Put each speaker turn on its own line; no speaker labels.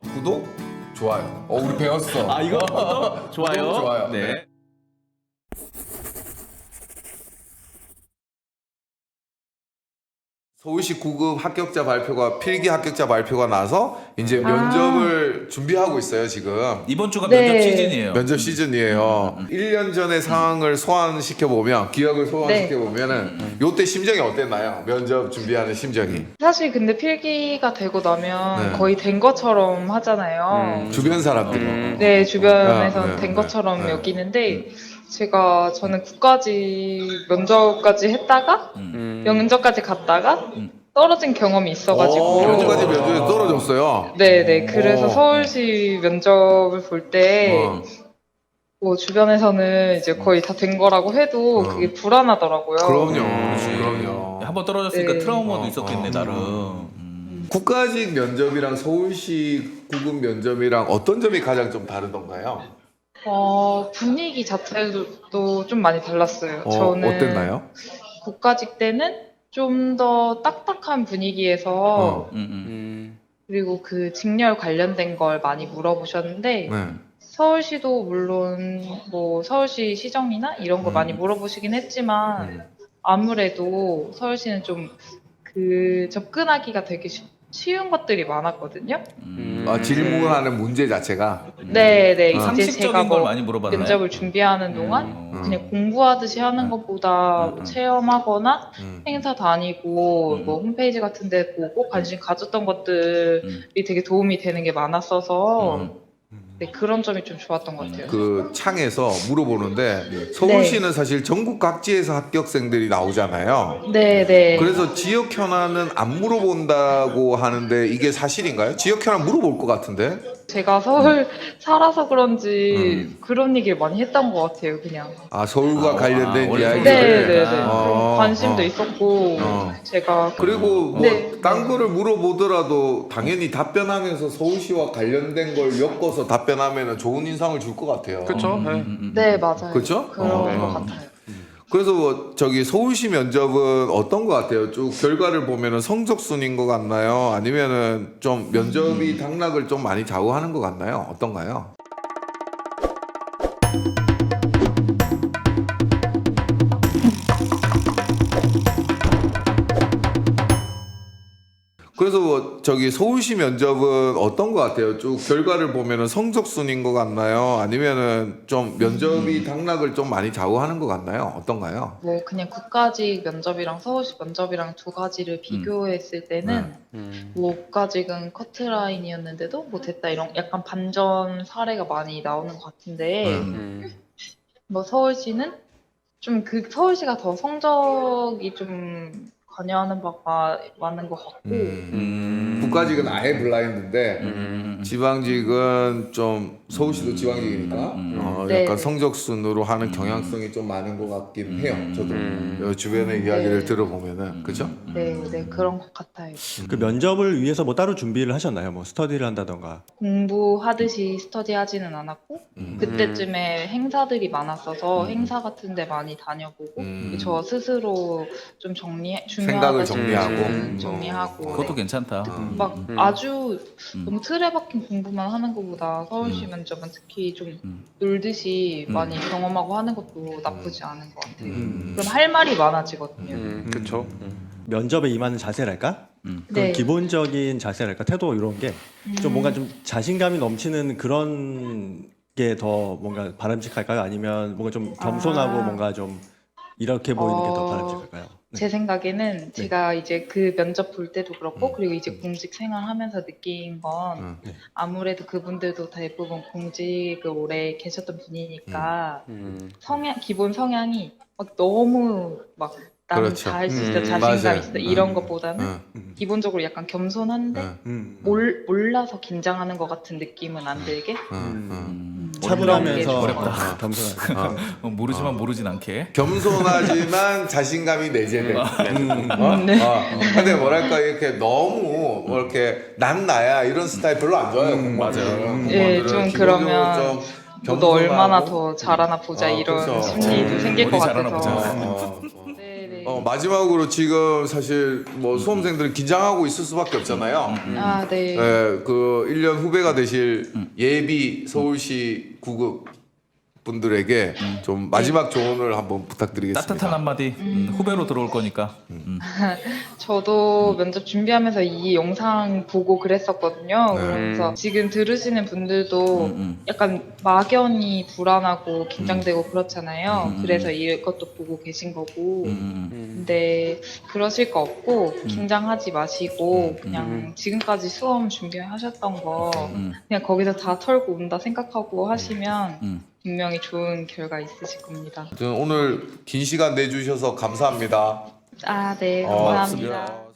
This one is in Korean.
구독, 좋아요. 우리 배웠어.
아, 이거 좋아요.
구독, 좋아요.
네.
서울시 9급 합격자 발표가 필기 합격자 발표가 나서 이제 면접을 준비하고 있어요 지금.
이번 주가
네.
면접 시즌이에요.
면접 시즌이에요. 1년 전의 상황을 소환시켜 보면, 기억을 소환시켜 보면은 요때 심정이 어땠나요? 면접 준비하는 심정이.
사실 근데 필기가 되고 나면
네.
거의 된 것처럼 하잖아요.
주변 사람들이.
네, 주변에서는
네,
된
네,
것처럼
네.
여기는데 저는 국가직 면접까지 했다가 면접까지 갔다가 떨어진 경험이 있어가지고
면접까지 면접에 떨어졌어요.
네네 그래서 서울시 면접을 볼 때 뭐 주변에서는 이제 거의 다 된 거라고 해도 그게 불안하더라고요.
그럼요.
한번 떨어졌으니까
네.
트라우마도 있었겠네 나름.
국가직 면접이랑 서울시 9급 면접이랑 어떤 점이 가장 좀 다르던가요?
분위기 자체도 좀 많이 달랐어요. 저는
어땠나요?
국가직 때는 좀 더 딱딱한 분위기에서 그리고 그 직렬 관련된 걸 많이 물어보셨는데
네.
서울시도 물론 뭐 서울시 시정이나 이런 거 많이 물어보시긴 했지만 아무래도 서울시는 좀 그 접근하기가 되게 쉬운 것들이 많았거든요.
질문하는 문제 자체가.
네네 이제
상식적인
제가
걸
뭐
많이 물어봤나요?
면접을 준비하는 동안 그냥 공부하듯이 하는 것보다 뭐 체험하거나 행사 다니고 뭐 홈페이지 같은 데 보고 관심 가졌던 것들이 되게 도움이 되는 게 많았어서 네, 그런 점이 좀 좋았던 것 같아요.
그 창에서 물어보는데 서울시는 사실 전국 각지에서 합격생들이 나오잖아요.
네네.
그래서 지역 현안은 안 물어본다고 하는데 이게 사실인가요? 지역 현안 물어볼 것 같은데?
제가 서울 살아서 그런지 그런 얘기를 많이 했던 것 같아요, 그냥.
서울과 관련된
원래
이야기를.
네네네.
아,
그런 관심도 있었고, 제가.
그리고 뭐
네.
딴 거를 물어보더라도 당연히 답변하면서 서울시와 관련된 걸 엮어서 답변하면 좋은 인상을 줄 것 같아요.
그렇죠.
네, 맞아요.
그쵸?
그런 것 같아요.
그래서 뭐 저기 서울시 면접은 어떤 것 같아요? 쭉 결과를 보면은 성적순인 것 같나요? 아니면은 좀 면접이 당락을 좀 많이 좌우하는 것 같나요? 어떤가요? 그래서 뭐 저기 서울시 면접은 어떤 것 같아요? 쭉 결과를 보면은 성적순인 것 같나요? 아니면은 좀 면접이 당락을 좀 많이 좌우하는 것 같나요? 어떤가요?
뭐, 그냥 국가직 면접이랑 서울시 면접이랑 두 가지를 비교했을 때는, 뭐, 국가직은 커트라인이었는데도 뭐 됐다 이런 약간 반전 사례가 많이 나오는 것 같은데, 뭐, 서울시는 좀 서울시가 더 성적이 좀 관여하는 바가 많은 것 같고,
국가직은 아예 블라인드인데 지방직은 좀 서울시도 지방직이니까
네.
약간 성적순으로 하는 경향성이 좀 많은 것 같긴 해요. 저도 주변의 이야기를 들어보면은 그죠?
네, 그런 것 같아요.
그 면접을 위해서 뭐 따로 준비를 하셨나요? 뭐 스터디를 한다던가.
공부하듯이 스터디하지는 않았고 그때쯤에 행사들이 많았어서 행사 같은 데 많이 다녀보고 저 스스로 좀
생각을
중요하다
정리하고.
그것도 괜찮다.
막 아주 너무 틀에 박힌 공부만 하는 것보다 서울시 면접은 특히 좀 놀듯이 많이 경험하고 하는 것도 나쁘지 않은 것 같아요. 그럼 할 말이 많아지거든요.
그렇죠. 면접에 임하는 자세랄까? 그런
네.
기본적인 자세랄까? 태도 이런 게 좀 뭔가 좀 자신감이 넘치는 그런 게 더 뭔가 바람직할까요? 아니면 뭔가 좀 겸손하고 뭔가 좀 이렇게 보이는 게 더 바람직할까요? 네.
제 생각에는 제가 이제 그 면접 볼 때도 그렇고 그리고 이제 공직 생활하면서 느낀 건 아무래도 그분들도 대부분 공직을 오래 계셨던 분이니까 기본 성향이 막 너무 막 나는
그렇죠.
다 할 수 있다,
맞아요.
자신감 있다 이런 것보다는 기본적으로 약간 겸손한데 몰라서 긴장하는 것 같은 느낌은 안 들게
차분하면서
어렵다.
겸손하게.
모르지만 모르진 않게.
겸손하지만 자신감이 내재돼. 근데 뭐랄까 이렇게 너무 뭐 이렇게 난 나야 이런 스타일 별로 안 좋아해요. 공무원들은.
예, 좀 그러면
좀
너 얼마나
겸손하고.
더 잘하나 보자 이런
그렇죠.
심리도 생길 것
어디 잘하나
같아서
보자.
네네.
마지막으로 지금 사실 뭐 수험생들은 긴장하고 있을 수밖에 없잖아요.
아, 네.
네, 그 1년 후배가 되실 예비 서울시 구급 분들에게 좀 마지막 조언을 한번 부탁드리겠습니다.
따뜻한 한마디. 후배로 들어올 거니까.
저도 면접 준비하면서 이 영상 보고 그랬었거든요.
네.
그래서 지금 들으시는 분들도 약간 막연히 불안하고 긴장되고 그렇잖아요. 그래서 이것도 보고 계신 거고. 근데 그러실 거 없고 긴장하지 마시고 그냥 지금까지 수험 준비하셨던 거 그냥 거기서 다 털고 온다 생각하고 하시면 분명히 좋은 결과 있으실 겁니다.
오늘 긴 시간 내주셔서 감사합니다.
아, 네.
어,
감사합니다.